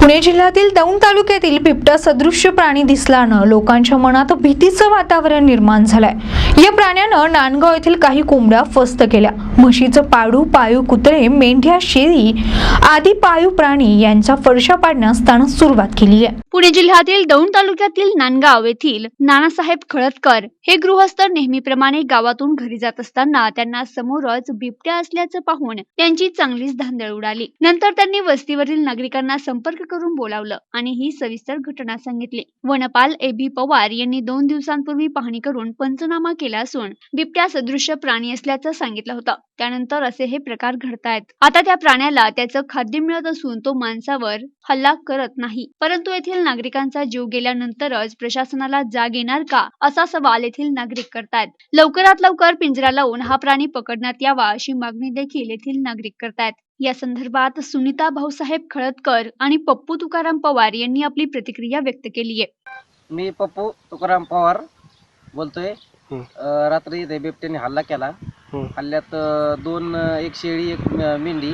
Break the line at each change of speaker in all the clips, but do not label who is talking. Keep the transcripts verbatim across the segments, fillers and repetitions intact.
पुणे जिल्ह्यातील दौंड तालुक्यातील बिबट्या सदृश्य प्राणी दिसल्यानं लोकांच्या मनात भीतीचं वातावरण निर्माण झालंय। या प्राण्यानं नांदगाव येथील काही कोंबड्या फस्त केल्या। म्हशीचं पाडू, पाळीव कुत्रे, मेंढ्या, शेळी आदी पाळीव प्राणी यांचा फडशा पाडण्यास त्यानं सुरुवात केली आहे।
पुणे जिल्ह्यातील दौंड तालुक्यातील नांदगाव येथील नानासाहेब खळदकर हे गृहस्थ नेहमीप्रमाणे गावातून घरी जात असताना त्यांना समोरच बिबट्या असल्याचं पाहून त्यांची चांगलीच धांदळ उडाली। नंतर त्यांनी वस्तीवरील नागरिकांना संपर्क करून बोलावलं आणि ही सविस्तर घटना सांगितली। वनपाल ए बी पवार यांनी दोन दिवसांपूर्वी पाहणी करून पंचनामा केला असून बिबट्या सदृश्य प्राणी असल्याचं सांगितलं होतं। त्यानंतर असे हे प्रकार घडतायत। आता त्या प्राण्याला त्याचं खाद्य मिळत असून तो माणसावर हल्ला करत नाही, परंतु येथील नागरिकांचा जीव गेल्यानंतरच प्रशासनाला जाग येणार का, असा सवाल येथील नागरिक करतायत। लवकरात लवकर पिंजरा लावून हा प्राणी पकडण्यात यावा अशी मागणी देखील येथील नागरिक करतायत। या संदर्भात सुनीता भाऊसाहेब खळदकर आणि पप्पू तुकाराम पवार यांनी आपली प्रतिक्रिया व्यक्त केली आहे।
मी पप्पू तुकाराम पवार बोलतोय। अं, रात्री इथे बिबट्याने हल्ला केला। हल्ल्यात अं, दोन अं, एक शेळी, एक म- मेंढी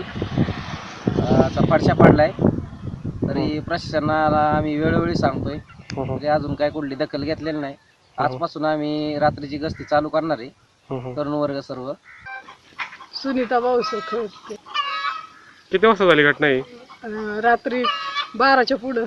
अं, चा फडशा पाडलाय। तरी प्रशासनाला आम्ही वेळोवेळी सांगतोय, तरी अजून काय कुठली दखल घेतलेली नाही। आजपासून आम्ही रात्रीची गस्ती चालू करणार आहे, तरुण वर्ग सर्व।
सुनीता भाऊसाहेब खळदकर।
किती वाजता झाली घटना ही?
अं, रात्री बाराच्या पुढं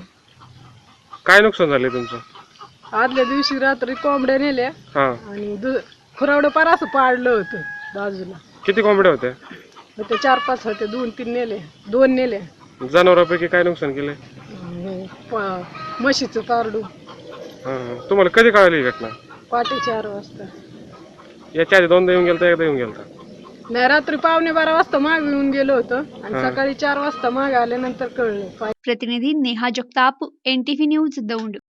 काय नुकसान झाले तुमचं?
आदल्या दिवशी रात्री कोंबड्या नेल्या
हा,
आणि दु खुरावडं पार असं पाडलं होतं बाजूला।
किती कोंबड्या होत्या?
मग ते चार पाच होते, दोन तीन नेले, दोन नेले।
जनावरांपैकी काय नुकसान केलंय?
अं, हे प- म्हशीचं पारडू
हा, हा. तुम्हाला कधी कळाली ही घटना?
पाटे चार वाजता।
याच्या आधी दोनदा येऊन गेलता, एकदा येऊन गेलता?
नाही, रात्री पावणे बारा वाजता मागे येऊन गेलो होतो आणि सकाळी चार वाजता मागे आल्यानंतर कळलं।
प्रतिनिधी Neha Jagtap, N T V news Daund.